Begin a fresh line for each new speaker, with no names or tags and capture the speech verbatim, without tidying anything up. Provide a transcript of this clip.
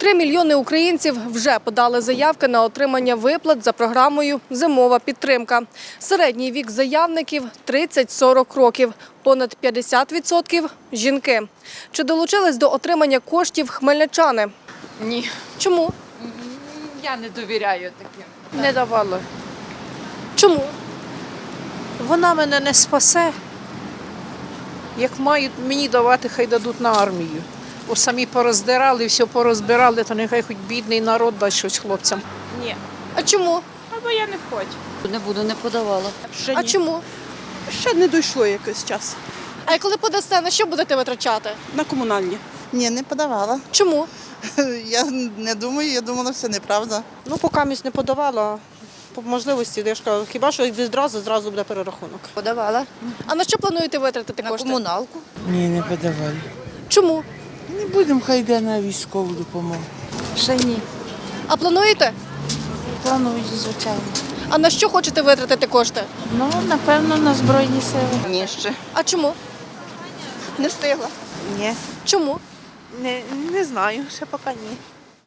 Три мільйони українців вже подали заявки на отримання виплат за програмою «Зимова підтримка». Середній вік заявників – тридцять-сорок років, понад п'ятдесят відсотків – жінки. Чи долучились до отримання коштів хмельничани?
Ні,
Чому?
я не довіряю таким.
Не давала.
Чому?
Вона мене не спасе. Як мають мені давати, хай дадуть на армію. Бо самі пороздирали, все порозбирали, то нехай хоч бідний народ дасть щось хлопцям.
Ні,
А чому?
або я не хочу.
Не буду, не подавала.
Ще
А
ні.
чому?
Ще не дійшло якийсь час.
А коли подасте, на що будете витрачати?
На комунальні.
Ні, не подавала.
Чому?
Я не думаю, я думала, все неправда.
Ну, поки місць не подавала. По можливості, я ж кажу, хіба що відразу, зразу буде перерахунок.
Подавала.
А на що плануєте витратити
На
кошти?
комуналку.
Ні, не подавали.
Чому?
Не будемо, хай йде на військову допомогу.
Ще ні.
А плануєте?
Планую, звичайно.
А на що хочете витратити кошти?
Ну, напевно, на Збройні сили.
Ні ще.
А чому?
Не встигла.
Ні.
Чому?
Не, не знаю, ще поки ні.